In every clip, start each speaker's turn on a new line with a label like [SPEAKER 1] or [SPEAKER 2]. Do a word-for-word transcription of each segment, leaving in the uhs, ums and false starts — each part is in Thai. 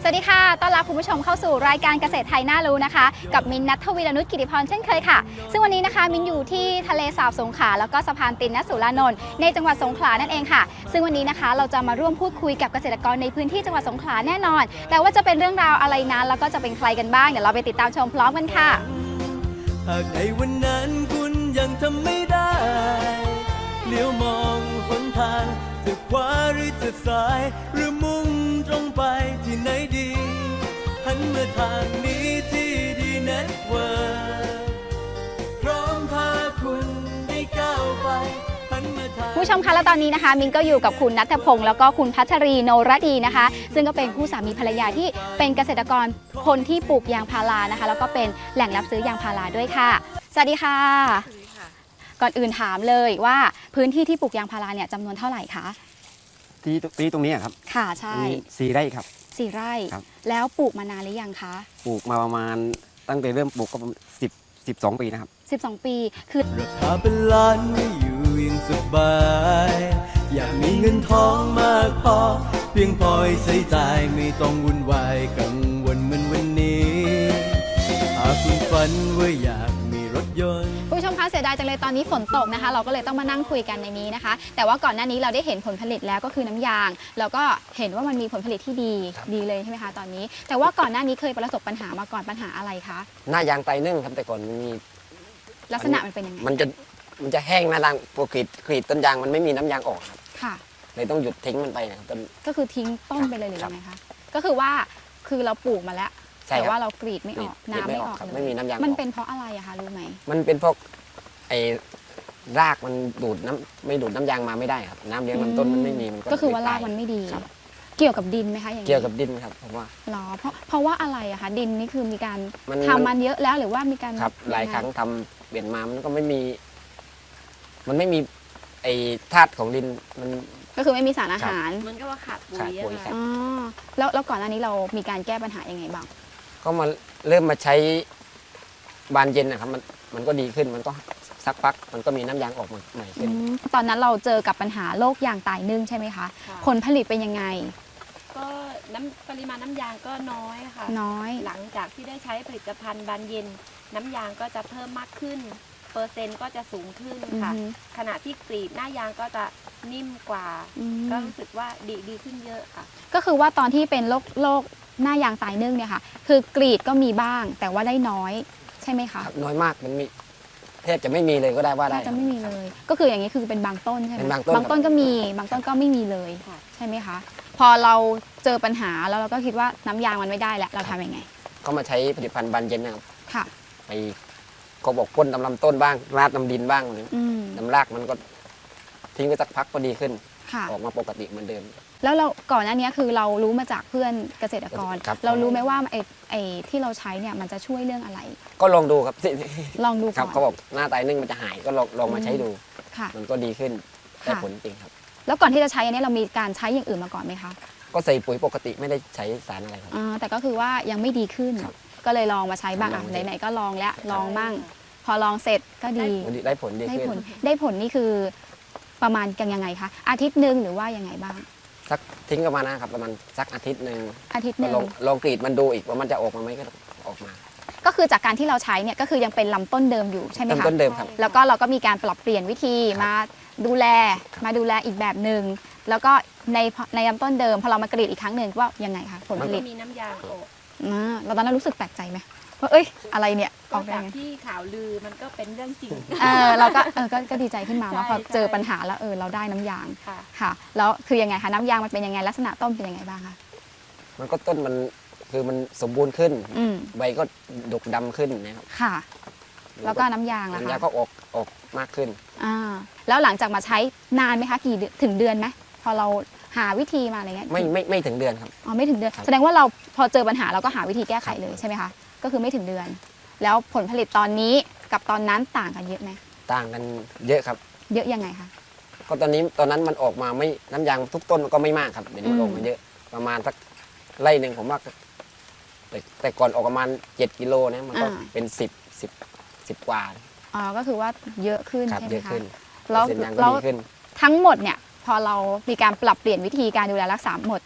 [SPEAKER 1] วัสดีค่ะต้อนรับคุณผู้ชมเข้าสู่รายการเกษตรไทยน่ารู้นะคะกับมินนัททวีรนุชกิติพรเช่นเคยค่ะซึ่งวันนี้นะคะมินอยู่ที่ทะเลสาบสงขลาแล้วก็สะพานตินนสุรานนท์ในจังหวัดสงขลานั่นเองค่ะซึ่งวันนี้นะคะเราจะมาร่วมพูดคุยกับเกษตรกรในพื้นที่จังหวัดสงขลาแน่นอนแต่ว่าจะเป็นเรื่องราวอะไรนั้นแล้วก็จะเป็นใครกันบ้างเดี๋ยวเราไปติดตามชมพร้อมกันค่ะ
[SPEAKER 2] หากในวันนั้นคุณยังทำไม่ได้เลี้ยวมองหนทางจะขวาหรือจะซ้ายหรือมุ่งตรงไปที่ไหนดีหันมาทางนี้ที่ดีเน็ตเวิร์พร้อมพาคุณได้ก้าวไป
[SPEAKER 1] ผู้ชมคะและตอนนี้นะคะมินก็อยู่กับคุณณัฐพงศ์แล้วก็คุณพัชรีโนรดีนะคะซึ่งก็เป็นคู่สามีภรรยาที่เป็นเกษตรกรคนที่ปลูกยางพารานะคะแล้วก็เป็นแหล่งรับซื้อยางพาราด้วยค่ะสวัสดีค่ะก่อนอื่นถามเลยว่าพื้นที่ที่ปลูกยางพาราเนี่ยจำนวนเท่าไหร่คะ
[SPEAKER 3] ที่ที่ตรงนี้ครับ
[SPEAKER 1] ค่ะใช่
[SPEAKER 3] สี่ไร่ครับ
[SPEAKER 1] สี่ไร่แล้วปลูกมานานหรือยังคะ
[SPEAKER 3] ปลูกมาประมาณตั้งแต่เริ่มปลูกก็สิบสิบสองปีนะครับ
[SPEAKER 1] สิบสองปีคือ
[SPEAKER 2] ราคาเป็นล้านไม่อยู่ยังสบายอยากมีเงินทองมากพอเพียงพอให้ใช้จ่ายไม่ต้องวุ่นวายกังวลเหมือนวันนี้หากคุณฝันว่าอยากมีรถยนต์
[SPEAKER 1] ผู้ชมคะเสียดายจังเลยตอนนี้ฝนตกนะคะเราก็เลยต้องมานั่งคุยกันในนี้นะคะแต่ว่าก่อนหน้านี้เราได้เห็นผลผลิตแล้วก็คือน้ำยางแล้วก็เห็นว่ามันมีผลผลิตที่ดีดีเลยใช่ไหมคะตอนนี้แต่ว่าก่อนหน้านี้เคยประสบปัญหามาก่อนปัญหาอะไรคะ
[SPEAKER 3] หน้ายางไตนึ่งครับแต่ก่อนมี
[SPEAKER 1] ลักษณะมันเป็นยังไง
[SPEAKER 3] มันจะมันจะแห้งหน้ายางปกติกรีดต้นยางมันไม่มีน้ำยางออกครับ
[SPEAKER 1] ค่ะ
[SPEAKER 3] เลยต้องหยุดทิ้งมันไปนะครับ
[SPEAKER 1] ก็คือทิ้งต้นไปเลยหรือยังไงคะก็คือว่าคือเราปลูกมาแล้วแต่ว่าเรากรีดไม่ออกน้ำไม่ออก
[SPEAKER 3] ไม่มีน้ำยาง
[SPEAKER 1] มันเป็นเพราะอะไรอะคะรู้ไหม
[SPEAKER 3] มันเป็นเพราะไอ้รากมันดูดน้ำไม่ดูดน้ำยางมาไม่ได้ครับน้ำเลี้ยงลำต้นมันไม่มีมัน
[SPEAKER 1] ก็คือว่ารากมันไม่ดีเกี่ยวกับดินไหมคะอย่างนี้
[SPEAKER 3] เกี่ยวกับดินครับผมว่า
[SPEAKER 1] หรอเพราะเพราะว่าอะไรอะคะดินนี่คือมีการทำมันเยอะแล้วหรือว่ามีการ
[SPEAKER 3] ครับหลายครั้งทำเปลี่ยนมามันก็ไม่มีมันไม่มีไอ้ธาตุของดินมัน
[SPEAKER 1] ก็คือไม่มีสารอาหาร
[SPEAKER 4] มันก็ว่าขาดปุ๋ยอะ
[SPEAKER 1] อ๋อแล้วแล้วก่อนหน้านี้เรามีการแก้ปัญหายังไงบ้าง
[SPEAKER 3] ก็มาเริ่มมาใช้บานเย็นนะครับมันมันก็ดีขึ้นมันก็สักพักมันก็มีน้ำยางออกมาใหม่ขึ้น
[SPEAKER 1] ตอนนั้นเราเจอกับปัญหาโรคยางตายนึ่งใช่ไหมคะผลผลิตเป็นยังไง
[SPEAKER 4] ก็น้ำปริมาณน้ำยางก็น้อยค่ะ
[SPEAKER 1] น้อย
[SPEAKER 4] หลังจากที่ได้ใช้ผลิตภัณฑ์บานเย็นน้ำยางก็จะเพิ่มมากขึ้นเปอร์เซ็นต์ก็จะสูงขึ้นค่ะขณะที่กรีดหน้ายางก็จะนิ่มกว่าก็รู้สึกว่าดีดีขึ้นเยอะค่ะ
[SPEAKER 1] ก็คือว่าตอนที่เป็นโรคโรคหน้ายางตายนึ่งเนี่ยค่ะคือกรีดก็มีบ้างแต่ว่าได้น้อยใช่ไหมคะ
[SPEAKER 3] น้อยมากมันมีแทบจะไม่มีเลยก็ได้ว่าได้
[SPEAKER 1] จะไม่มีเลยก็คืออย่างนี้คือเป็นบางต้นใช่ไหมบางต้นก็มีบางต้นก็ไม่มีเลยใช่ไหมคะพอเราเจอปัญหาแล้วเราก็คิดว่าน้ำยางมันไม่ได้แล้วเราทำยังไง
[SPEAKER 3] ก็มาใช้ผลิตภัณฑ์บานเย็นนะครับ
[SPEAKER 1] ค่ะ
[SPEAKER 3] ไปก็บอกพ่นตำลำต้นบ้างราดน้ำดินบ้างน้ำรากมันก็ทิ้งไปสักพักก็ดีขึ้นออกมาปกติเหมือนเดิม
[SPEAKER 1] แล้วเราก่อนหน้านี้คือเรารู้มาจากเพื่อนเกษตรกรเรารู้ไหมว่าไอ้ไอ้ที่เราใช้เนี่ยมันจะช่วยเรื่องอะไร
[SPEAKER 3] ก็ลองดูครับ
[SPEAKER 1] ลองดู
[SPEAKER 3] ครับเขาบอกหน้าตายนึ่งมันจะหายก็ลองลองมาใช้ดูมันก็ดีขึ้นได้ผลจริงครับ
[SPEAKER 1] แล้วก่อนที่จะใช้อันนี้เรามีการใช้อย่างอื่นมาก่อนไหมคะ
[SPEAKER 3] ก็ใส่ปุ๋ยปกติไม่ได้ใช้สารอะไรครับ
[SPEAKER 1] แต่ก็คือว่ายังไม่ดีขึ้นก็เลยลองมาใช้บ้างอ่ะไหนๆก็ลองแล้วลองมั่งพอลองเสร็จก็ดี
[SPEAKER 3] ได้ผลดีขึ้น
[SPEAKER 1] ได้ผลนี่คือประมาณกันยังไงคะอาทิตย์หนึ่งหรือว่ายังไงบ้าง
[SPEAKER 3] สักทิ้งประมาณนะครับประมาณสักอาทิตย์หนึ่ง
[SPEAKER 1] อาทิตย์หนึ่ง
[SPEAKER 3] ลองลองกรีดมันดูอีกว่ามันจะออกมาไหมก็ออกมา
[SPEAKER 1] ก็คือจากการที่เราใช้เนี่ยก็คือยังเป็นลำต้นเดิมอยู่ใช่ไหมคะ
[SPEAKER 3] ลำต้นเดิมครับ
[SPEAKER 1] แล้วก็เราก็มีการปรับเปลี่ยนวิธีมาดูแลมาดูแลอีกแบบหนึ่งแล้วก็ในในลำต้นเดิมพอเรามากรีดอีกครั้งหนึ่งว่ายังไงคะผลผลิต
[SPEAKER 4] มีน้ำยางออก
[SPEAKER 1] เราตอนนั้นรู้สึกแปลกใจไหมว่าเอ้ยอะไรเนี่ย
[SPEAKER 4] ออกจากที่ข่าวลือมันก็เป็นเรื่องจริง
[SPEAKER 1] เออเราก็เออก็ดีใจขึ้นมาว่าพอเจอปัญหาแล้วเออเราได้น้ำยางค่ะแล้วคือยังไงคะน้ำยางมันเป็นยังไงลักษณะต้นเป็นยังไงบ้างคะ
[SPEAKER 3] มันก็ต้นมันคือมันสมบูรณ์ขึ้นใบก็ดกดำขึ้นนะครับ
[SPEAKER 1] ค่ะแล้วก็น้ำยางล่ะคะ
[SPEAKER 3] น้ำยางก็ออกออกมากขึ้น
[SPEAKER 1] อ่าแล้วหลังจากมาใช้นานไหมคะกี่ถึงเดือนไหมพอเราหาวิธีมาอะไรเงี้ย
[SPEAKER 3] ไม่ไม่ไม่ถึงเดือนครับ
[SPEAKER 1] อ๋อไม่ถึงเดือนแสดงว่าเราพอเจอปัญหาเราก็หาวิธีแก้ไขเลยใช่ไหมคะก็คือไม่ถึงเดือนแล้วผลผลิตตอนนี้กับตอนนั้นต่างกันเยอะไหม
[SPEAKER 3] ต่างกันเยอะครับ
[SPEAKER 1] เยอะยังไงคะ
[SPEAKER 3] ก็ตอนนี้ตอนนั้นมันออกมาไม่น้ำยางทุกต้นก็ไม่มากครับเดี๋ยวนี้มันออกมาเยอะประมาณสักไร่หนึ่งผมว่าแต่แต่ก่อนออกประมาณเจ็ดกิโลนะมันก็เป็นสิบสิบสิบกว่า
[SPEAKER 1] อ๋อก็คือว่าเยอะขึ้นใช่ไหมคะ
[SPEAKER 3] แล้วแล้ว
[SPEAKER 1] ทั้งหมดเนี่ยพอเรามีการปรับเปลี่ยนวิธีการดูแลรักษาหมด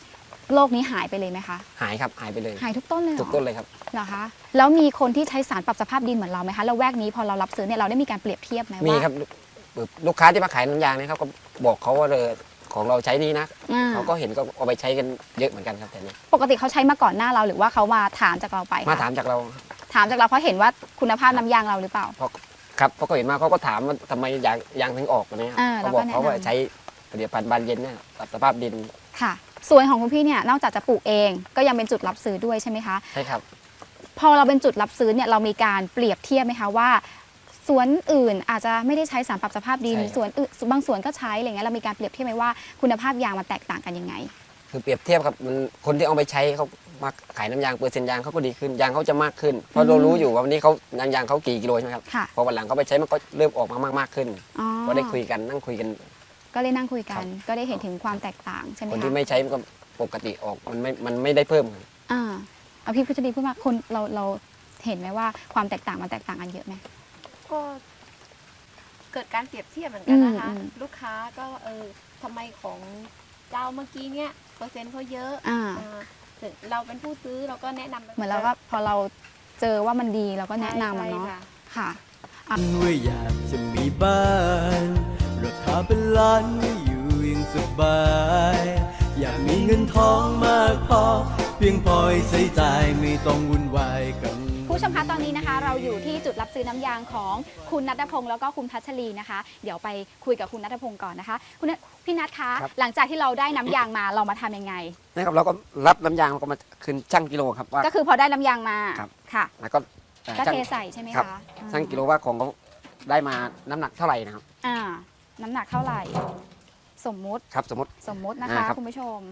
[SPEAKER 1] โลกนี้หายไปเลยไหมคะ
[SPEAKER 3] หายครับหายไปเลย
[SPEAKER 1] หายทุกต้นเลยเหรอ
[SPEAKER 3] ทุกต้นเลยครับ
[SPEAKER 1] เหรอคะแล้วมีคนที่ใช้สารปรับสภาพดินเหมือนเราไหมคะแล้วแวกนี้พอเรารับซื้อเนี่ยเราได้มีการเปรียบเทียบไหมว่า
[SPEAKER 3] มีครับลูกค้าที่มาขายน้ำยางเนี่ยเขาก็บอกเขาว่าเออของเราใช้นี่นะ
[SPEAKER 1] อ่า
[SPEAKER 3] เขาก็เห็นก็เอาไปใช้กันเยอะเหมือนกันครับแต่นี้
[SPEAKER 1] ปกติเขาใช้มาก่อนหน้าเราหรือว่าเขามาถามจากเราไปคะ
[SPEAKER 3] มาถามจากเรา
[SPEAKER 1] ถามจากเราเพราะเห็นว่าคุณภาพน้ำยางเราหรือเปล่า
[SPEAKER 3] ครับเพราะเขาเห็นมาเขาก็ถามว่าทำไมยางยางถึงออกแบบนี้ครับ
[SPEAKER 1] อ่า
[SPEAKER 3] เขาบอก
[SPEAKER 1] แล้วก็แนะนำ
[SPEAKER 3] เขาว่าใช้ผลิตภัณฑ์บานเย็นเนี่ยปรับสภาพดิน
[SPEAKER 1] ค่ะสวนของคุณพี่เนี่ยนอกจากจะปลูกเองก็ยังเป็นจุดรับซื้อด้วยใช่ไหมคะ
[SPEAKER 3] ใช่ครับ
[SPEAKER 1] พอเราเป็นจุดรับซื้อเนี่ยเรามีการเปรียบเทียบไหมคะว่าสวนอื่นอาจจะไม่ได้ใช้สารปรับสภาพดิน
[SPEAKER 3] ใช่ครับ
[SPEAKER 1] สวนอื่นบางสวนก็ใช้อะไรเงี้ยเรามีการเปรียบเทียบไหมว่าคุณภาพยางมันแตกต่างกันยังไง
[SPEAKER 3] คือเปรียบเทียบครับมันคนที่เอาไปใช้เขามาขายน้ำยางเปอร์เซ็นต์ยางเขาก็ดีขึ้นยางเขาจะมากขึ้นเพราะเรารู้อยู่ว่าวันนี้เขายางยางเขากี่กิโลใช่ไหมครับ
[SPEAKER 1] ค่ะ
[SPEAKER 3] พอวันหลังเขาไปใช้มันก็เริ่มออกมามากๆขึ้น
[SPEAKER 1] อ๋อ
[SPEAKER 3] ก็ได้คุยกันนั่งคุยกัน
[SPEAKER 1] ก็เลยนั่งคุยกั
[SPEAKER 3] ครั
[SPEAKER 1] น
[SPEAKER 3] บ
[SPEAKER 1] ก็ได้เห็นถึงความแตกต่างใช่ไหม
[SPEAKER 3] คน
[SPEAKER 1] คะ
[SPEAKER 3] ที่ไม่ใช้มันก็ปกติออกมันไม่มันไม่ได้เพิ่ม
[SPEAKER 1] อ่าเอาพี่พุทธดีพูดมาคนเราเราเห็นไหมว่าความแตกต่างมันแตกต่างกันเยอะไหม
[SPEAKER 4] ก็เกิดการเปรียบเทียบเหมือนกันนะคะ
[SPEAKER 1] อืมอืม
[SPEAKER 4] ลูกค้าก็เออทำไมของเจ้าเมื่อกี้เนี่ยเปอร์เซ็นต์เขาเยอะ
[SPEAKER 1] อ่า
[SPEAKER 4] อ่าถึงเราเป็นผู้ซื้อเราก็แนะนำไป
[SPEAKER 1] เหมือนเราก็พอเราเจอว่ามันดีเราก็แนะนำอะ
[SPEAKER 4] ใช่
[SPEAKER 1] เนาะ
[SPEAKER 4] ค่ะ
[SPEAKER 1] ค่ะ
[SPEAKER 2] ว่าอยากจะมีบ้านราคาเป็นล้านไม่อยู่อย่างสบาย อยากมีเงินทองมากพอ เพียงพอให้ใช้จ่ายไม่ต้องวุ่นวายกัน
[SPEAKER 1] ผู้ชมคะตอนนี้นะคะ เราอยู่ที่จุดรับซื้อน้ำยางของคุณนัทพงศ์แล้วก็คุณพัชรีนะคะ เดี๋ยวไปคุยกับคุณนัทพงศ์ก่อนนะคะคุณนัทพี่นัทคะ
[SPEAKER 3] ครับ
[SPEAKER 1] หลังจากที่เราได้น้ำยางมาเรามาทำยังไง
[SPEAKER 3] นะครับเราก็รับน้ำยางเราก็มาคืนช่างกิโลครับว่า
[SPEAKER 1] ก็คือพอได้น้ำยางมา
[SPEAKER 3] ครับ
[SPEAKER 1] ค่ะ
[SPEAKER 3] แล้วก็เอ่อ
[SPEAKER 1] ก็
[SPEAKER 3] ช่าง
[SPEAKER 1] เทใส่ใช่ไหม
[SPEAKER 3] ครับ
[SPEAKER 1] คะ
[SPEAKER 3] ช่างกิโลว่าของเขาได้มาน้ำหนักเท่าไหร่นะครับ
[SPEAKER 1] อ่าน้ำหนักเท่าไหร่ สมมุติ
[SPEAKER 3] ครับสมมติ
[SPEAKER 1] สมมุตินะ
[SPEAKER 3] อ่า
[SPEAKER 1] คะ
[SPEAKER 3] ครับ
[SPEAKER 1] คุณผู้ชม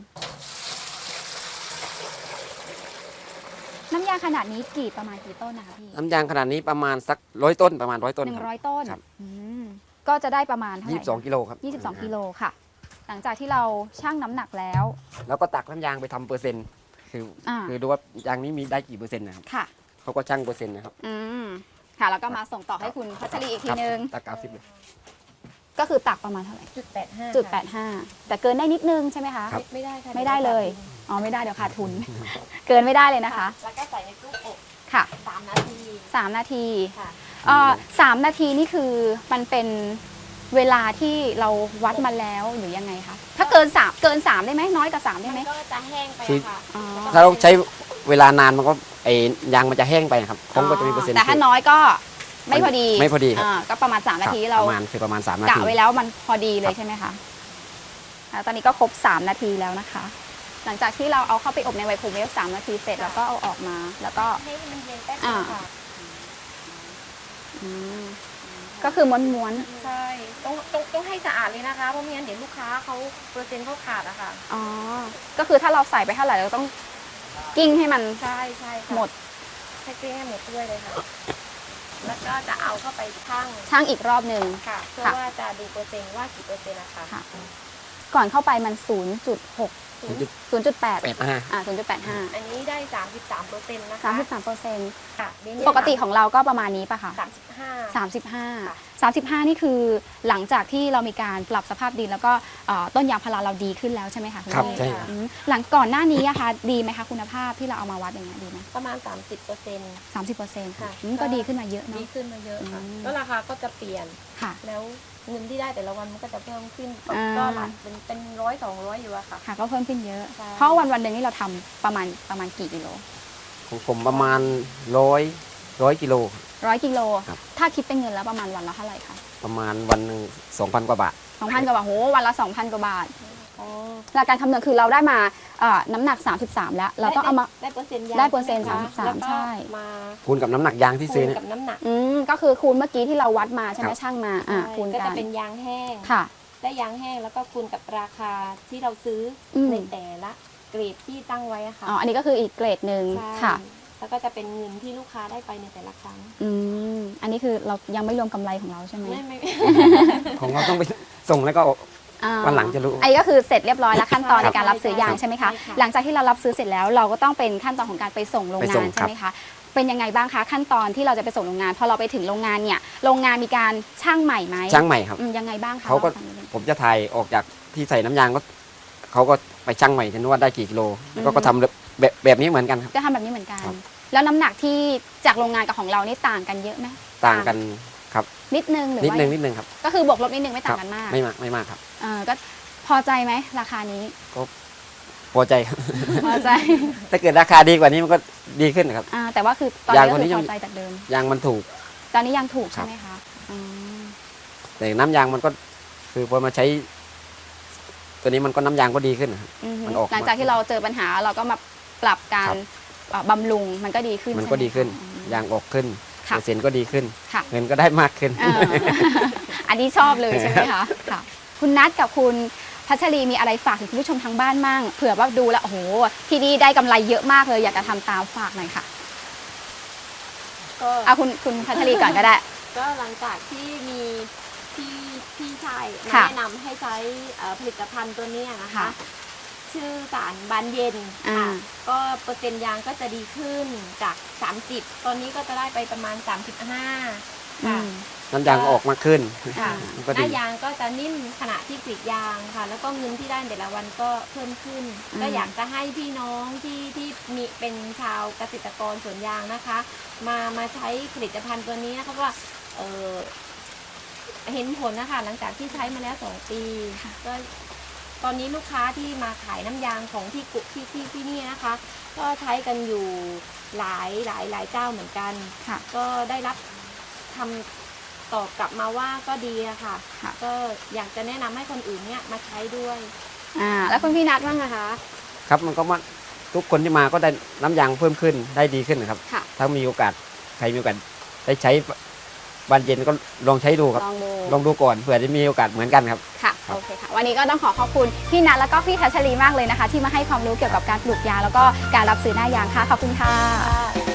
[SPEAKER 1] น้ำยางขนาดนี้กี่ประมาณกี่ต้นนะคะพี่
[SPEAKER 3] น้ำยางขนาดนี้ประมาณสักร้อยต้นประมาณร้อยต้น
[SPEAKER 1] หนึ่
[SPEAKER 3] ค
[SPEAKER 1] ง
[SPEAKER 3] รับ
[SPEAKER 1] ร้อยต้น
[SPEAKER 3] ครับ
[SPEAKER 1] อืมก็จะได้ประมาณเท่าไห
[SPEAKER 3] ยี่
[SPEAKER 1] ร่
[SPEAKER 3] สิบสองกิโลครับ
[SPEAKER 1] ยี่สิบสองกิโลค่ะ หลังจากที่เราชั่งน้ำหนักแล้ว
[SPEAKER 3] แล้วก็ตักน้ำยางไปทำเปอร์เซ็นต์คืออา คือดูว่ายางนี้มีได้กี่เปอร์เซ็นต์นะครับ
[SPEAKER 1] ค่ะ
[SPEAKER 3] เขาก็ชั่งเปอร์เซ็นต์นะครับ
[SPEAKER 1] อืมค่ะแล้วก็มาส่งต่อให้คุณพัชรีอีกทีนึง
[SPEAKER 3] ตักเก้าสิบเลย
[SPEAKER 1] ก็คือตักประมาณเท่าไหร่
[SPEAKER 4] จุดแปดห้า
[SPEAKER 1] จุดแปดห้าแต่เกินได้นิดนึงใช่ไหมคะ
[SPEAKER 3] ครับ
[SPEAKER 4] ไม่ได้ค่ะ
[SPEAKER 1] ไม่ได้เลยอ๋อไม่ได้เดี๋ยวขาดทุน เกินไม่ได้เลยนะคะ
[SPEAKER 4] แล้วก็ใส่ในตู้อบ
[SPEAKER 1] ค่ะ
[SPEAKER 4] สามนาที
[SPEAKER 1] สามนาที
[SPEAKER 4] ค่ะ
[SPEAKER 1] เอ่อสามนาทีนี่คือมันเป็นเวลาที่เราวัดมาแล้วหรือยังไงคะถ้าเกินสามเกินสามได้ไหมน้อยกว่าสามได้
[SPEAKER 4] มั
[SPEAKER 1] ไหม
[SPEAKER 4] นก็จะแห้งไป
[SPEAKER 3] คือ
[SPEAKER 4] ค่ะ
[SPEAKER 1] อ๋อ
[SPEAKER 3] ถ้าเราใช้เวลานานมันก็ไอ้ยางมันจะแห้งไปนะครับของก็จะมีเปอร์เซ็นต์
[SPEAKER 1] แต่ถ้าน้อยก็ไม่พอดี
[SPEAKER 3] ไม่พอดีครับ
[SPEAKER 1] อ่าก็ประมาณสามนาที
[SPEAKER 3] ครับ
[SPEAKER 1] เรา
[SPEAKER 3] ประมาณคือประมาณสามนาก
[SPEAKER 1] ะ
[SPEAKER 3] ที
[SPEAKER 1] ไว้แล้วมันพอดีเล
[SPEAKER 3] ครั
[SPEAKER 1] ย
[SPEAKER 3] บ
[SPEAKER 1] ใช่ไหมคะอ่าตอนนี้ก็ครบสามนาทีแล้วนะคะ หลังจากที่เราเอาเข้าไปอบในไวโครเวฟสามนาทีเสร็จแล้วก็เอาออกมา แล้วก็
[SPEAKER 4] ให้มันเย็นแป๊บเดียวค่ะ
[SPEAKER 1] อืมก็คือม้วน
[SPEAKER 4] ใช่ต้องต้องต้องให้สะอาดเลยนะคะ เพราะไม่งั้นเดี๋ยวลูกค้าเขาเปอร์เซ็นต์เขาขาดอะค่ะ
[SPEAKER 1] ๆอ๋อก็คือถ้าเราใส่ไปเท่าไหร่เราต้องกิ้งให้มัน
[SPEAKER 4] ใช่ใช่ค่ะ
[SPEAKER 1] หมด
[SPEAKER 4] ให้เกลี้ยงให้หมดด้วยเลยค่ะ แล้วก็จะเอาเข้าไปชั่ง
[SPEAKER 1] ช่างอีกรอบหนึ่ง
[SPEAKER 4] ค่ะ เพื่อ
[SPEAKER 1] ค่ะ
[SPEAKER 4] ว่าจะดูเปอร์เซ็นต์ว่ากี่เปอร์เซ็นต์นะคะ
[SPEAKER 1] ค่ะ ก่อนเข้าไปมัน ศูนย์จุดหก ศูนย์จุดแปด
[SPEAKER 3] แปดห้า
[SPEAKER 1] อ่าศูนย์จุดแปดห้า
[SPEAKER 4] อันนี้ได้ สามสิบสามเปอร์เซ็นต์นะคะ
[SPEAKER 1] สามสิบสามเปอร์เซ็นต์
[SPEAKER 4] ค่ะเดี๋ยวนี้
[SPEAKER 1] ปกติของเราก็ประมาณนี้ป่ะคะ
[SPEAKER 4] สามสิบห้า
[SPEAKER 1] สามสิบห้า
[SPEAKER 4] ค่ะ
[SPEAKER 1] สามสิบห้านี่คือหลังจากที่เรามีการปรับสภาพดินแล้วก็เอ่อต้นยางพาราเราดีขึ้นแล้วใช่ไหมคะณ
[SPEAKER 3] ครับ
[SPEAKER 1] พี่
[SPEAKER 3] ใช่ครับ
[SPEAKER 1] อืมหลังก่อนหน้านี้อะคะดีไหมคะคุณภาพที่เราเอามาวัดอย่างเงี้ยดีไหม
[SPEAKER 4] ประมาณ สามสิบเปอร์เซ็นต์
[SPEAKER 1] สามสิบเปอร์เซ็นต์
[SPEAKER 4] ค่ะ
[SPEAKER 1] ก็ดีขึ้นมาเยอะ
[SPEAKER 4] ดี
[SPEAKER 1] เนาะ
[SPEAKER 4] ขึ้นมาเยอะค่ะ
[SPEAKER 1] อืม
[SPEAKER 4] แล้วราคาก็จะเปลี่ยน
[SPEAKER 1] ค่ะ
[SPEAKER 4] แล้วเงินที่ได้แต่ละวันมันก็จะเพิ่มขึ้น
[SPEAKER 1] อ่า
[SPEAKER 4] ก็หลักเป็นเป็นร้อยสองร้อยอยู่อะค่ะ
[SPEAKER 1] ค่ะก็เพิ่มขึ้นเยอะ
[SPEAKER 4] ใช่
[SPEAKER 1] เพราะวันวันๆหนึ่งนี่เราทำประมาณประมาณกี่กิโล
[SPEAKER 3] ของผมประมาณร้อยร้อยกิโล
[SPEAKER 1] ร้อยกิโล
[SPEAKER 3] ครับ
[SPEAKER 1] ถ้าคิดเป็นเงินแล้วประมาณวันละเท่าไหร่คะ
[SPEAKER 3] ประมาณวันหนึ่งสองพันกว่าบาท
[SPEAKER 1] สองพันกว่าบาทโหวันละสองพันกว่าบาทหลักการคำนวณคือเราได้มาเอ่อน้ำหนักสามสิบสามแล้วเราต้องเอามา
[SPEAKER 4] ได้เปอร์เซ็นต์ยาง
[SPEAKER 1] ได้เปอร์เซ็นต์
[SPEAKER 4] ใช่ไหคะ
[SPEAKER 1] สามสิบสาม
[SPEAKER 4] แล้วก็
[SPEAKER 1] ใช่
[SPEAKER 4] มา
[SPEAKER 3] คูณกับน้ำหนักยางที่ซื้อ
[SPEAKER 4] คูณ
[SPEAKER 3] เนี่ย
[SPEAKER 4] กับน้ำหนัก
[SPEAKER 1] อืมก็คือคูณเมื่อกี้ที่เราวัดมาใช่ไหม
[SPEAKER 3] ครับ
[SPEAKER 1] ช่างมาอ่า
[SPEAKER 4] ใช่
[SPEAKER 1] คูณ
[SPEAKER 4] ก็
[SPEAKER 1] กั
[SPEAKER 4] จะ
[SPEAKER 1] น
[SPEAKER 4] เป็นยางแห้ง
[SPEAKER 1] ค่ะ
[SPEAKER 4] ได้ยางแห้งแล้วก็คูณกับราคาที่เราซื้ออ
[SPEAKER 1] ม
[SPEAKER 4] ในแต่ละเกรดที่ตั้งไว้อะค่ะ
[SPEAKER 1] อ๋ออันนี้ก็คืออีกเกรดหนึ่ง
[SPEAKER 4] ใช่
[SPEAKER 1] ค่ะ
[SPEAKER 4] แล้วก็จะเป็นเงินที่ลูกค้าได้ไปในแต่ละครั้ง
[SPEAKER 1] อืมอันนี้คือเรายังไม่รวมกำไรของเราใช่ไหม
[SPEAKER 4] ไม่ไม่
[SPEAKER 3] ของเราต้องไปส่งแล้วก็
[SPEAKER 1] อ่า
[SPEAKER 3] วันหลังจะรู้
[SPEAKER 1] อันนี้ก็คือเสร็จเรียบร้อยแล้วขั้นตอน
[SPEAKER 4] ครั
[SPEAKER 1] ใน
[SPEAKER 4] บ
[SPEAKER 1] การรับซื้อยาง
[SPEAKER 4] ใช่
[SPEAKER 1] ใช่ไหมคะ
[SPEAKER 4] ใช่ค่ะ
[SPEAKER 1] หลังจากที่เรารับซื้อเสร็จแล้วเราก็ต้องเป็นขั้นตอนของการไปส่งโรง
[SPEAKER 3] ไป
[SPEAKER 1] งา
[SPEAKER 3] ส่ง
[SPEAKER 1] นใช่ไหมคะเป็นยังไงบ้างคะขั้นตอนที่เราจะไปส่งโรงงานพอเราไปถึงโรงงานเนี่ยโรงงานมีการช่างใหม่ไหม
[SPEAKER 3] ช่างใหม่ครับ
[SPEAKER 1] อืมยังไงบ้างคะ
[SPEAKER 3] เขาก็
[SPEAKER 1] ลองฟังนิดนึง
[SPEAKER 3] ผมจะถ่ายออกจากที่ใส่น้ำยางก็เขาก็ไปชั่งใหม่ฉันว่าได้กี่กิโลแล้วก็ก็ทำแบบแบบนี้เหมือนกันครับ
[SPEAKER 1] จะทำแบบนี้เหมือนกัน
[SPEAKER 3] ครับ
[SPEAKER 1] แล้วน้ำหนักที่จากโรงงานกับของเรานี่ต่างกันเยอะไหม
[SPEAKER 3] ต่างกันครับ
[SPEAKER 1] นิดนึงหรือ
[SPEAKER 3] นิด
[SPEAKER 1] ว่า
[SPEAKER 3] นึงนิดนึงครับ
[SPEAKER 1] ก็คือบวกลบนิดนึงไม่
[SPEAKER 3] ค
[SPEAKER 1] ต่า
[SPEAKER 3] รั
[SPEAKER 1] งกันมาก
[SPEAKER 3] ไม่มากไม่มากครับ
[SPEAKER 1] เออก็พอใจไหมราคานี้
[SPEAKER 3] พอใจครับ
[SPEAKER 1] พอใจ
[SPEAKER 3] ถ้าเกิดราคาดีกว่านี้มันก็ดีขึ้นนะครับ
[SPEAKER 1] อ่าแต่ว่าคือตอน
[SPEAKER 3] ยาง
[SPEAKER 1] นี้
[SPEAKER 3] ตัว
[SPEAKER 1] ก็
[SPEAKER 3] นี้
[SPEAKER 1] คือ
[SPEAKER 3] ยัง
[SPEAKER 1] พอใจจากเดิม
[SPEAKER 3] ยางมันถูก
[SPEAKER 1] ตอนนี้ยังถูก
[SPEAKER 3] ครั
[SPEAKER 1] ใช่
[SPEAKER 3] บ
[SPEAKER 1] ไหมคะอืม
[SPEAKER 3] แต่น้ำยางมันก็คือพอมาใช้ ตัวนี้มันก็น้ำยางก็ดีขึ้นนะครับ
[SPEAKER 1] อือฮึ
[SPEAKER 3] มันออก
[SPEAKER 1] หลังจากที่เราเจอปัญหาเราก็มาปรับการ
[SPEAKER 3] ครับ
[SPEAKER 1] เอ่อบำรุงมันก็ดีขึ้น
[SPEAKER 3] มันก็
[SPEAKER 1] ใช่ไห
[SPEAKER 3] ดีขึ้น
[SPEAKER 1] คะอืม
[SPEAKER 3] ยางออกขึ้น
[SPEAKER 1] ค่ะ
[SPEAKER 3] เปอร์เซ็นต์ก็ดีขึ้น
[SPEAKER 1] ค่ะ
[SPEAKER 3] เงินก็ได้มากขึ้น
[SPEAKER 1] เออ อันนี้ชอบเลยใช่ไหมคะค่ะ คุณนัทกับคุณพัชรีมีอะไรฝากถึงคุณผู้ชมทางบ้านมั่งเผื่อว่าดูแล้วโอ้โหที่นี่ได้กำไรเยอะมากเลย อยากจะทำตามฝากหน่อยค่ะ
[SPEAKER 4] ก็
[SPEAKER 1] เอาคุณคุณพัชรีก่อนก็ได้
[SPEAKER 4] ก็หลังจากที่มีพี่พี่ชายมา
[SPEAKER 1] ค่ะ
[SPEAKER 4] แนะนำให้ใช้เอ่อผลิตภัณฑ์ตัวเนี้ยนะคะ
[SPEAKER 1] ค่ะ
[SPEAKER 4] ชื่อสารบานเย็น
[SPEAKER 1] อ่า
[SPEAKER 4] ค่ะก็เปอร์เซ็นต์ยางก็จะดีขึ้นจาก สามสิบ ตอนนี้ก็จะได้ไปประมาณ สามสิบห้า
[SPEAKER 1] อื
[SPEAKER 4] ค่ะ
[SPEAKER 1] ม
[SPEAKER 3] น้ำยางก็ออกมากขึ้น
[SPEAKER 4] ค่ะ
[SPEAKER 3] มันก็
[SPEAKER 4] ห
[SPEAKER 3] ดี
[SPEAKER 4] น้ายางก็จะนิ่มขณะที่กรีดยางค่ะ แล้วก็เงินที่ได้แต่ละวันก็เพิ่มขึ้น
[SPEAKER 1] อืม
[SPEAKER 4] ก็อยากจะให้พี่น้องที่ที่มีเป็นชาวเกษตรกรสวนยางนะคะ มามาใช้ผลิตภัณฑ์ตัวนี้นะคะเพราะว่าเออเห็นผลนะคะหลังจากที่ใช้มาแล้วสองปีก็ตอนนี้ลูกค้าที่มาขายน้ำยางของที่กุที่ที่ที่นี่นะคะ ก็ใช้กันอยู่หลายหลายหลายเจ้าเหมือนกัน
[SPEAKER 1] ค่ะ
[SPEAKER 4] ก็ได้รับคำตอบกลับมาว่าก็ดีอะค่ะ
[SPEAKER 1] ค่ะ
[SPEAKER 4] ก็อยากจะแนะนำให้คนอื่นเนี่ยมาใช้ด้วย
[SPEAKER 1] อ่าแล้วคุณพี่นัทบ้างนะคะ
[SPEAKER 3] ครับมันก็มาทุกคนที่มาก็ได้น้ำยางเพิ่มขึ้นได้ดีขึ้นนะครับ
[SPEAKER 1] ค่ะ
[SPEAKER 3] ถ้ามีโอกาสใครมีโอกาสได้ใช้บานเย็นก็ลองใช้ดูครับ
[SPEAKER 1] ลองดู
[SPEAKER 3] ลองดูก่อนเผื่อจะมีโอกาสเหมือนกันครับ
[SPEAKER 1] ค่ะ
[SPEAKER 3] ครับ
[SPEAKER 1] โอเคค่ะ วันนี้ก็ต้องขอขอบคุณพี่นัทแล้วก็พี่พัชรีมากเลยนะคะ ที่มาให้ความรู้เกี่ยวกับการปลูกยางแล้วก็การรับซื้อหน้ายางค่ะขอบคุณค่ะ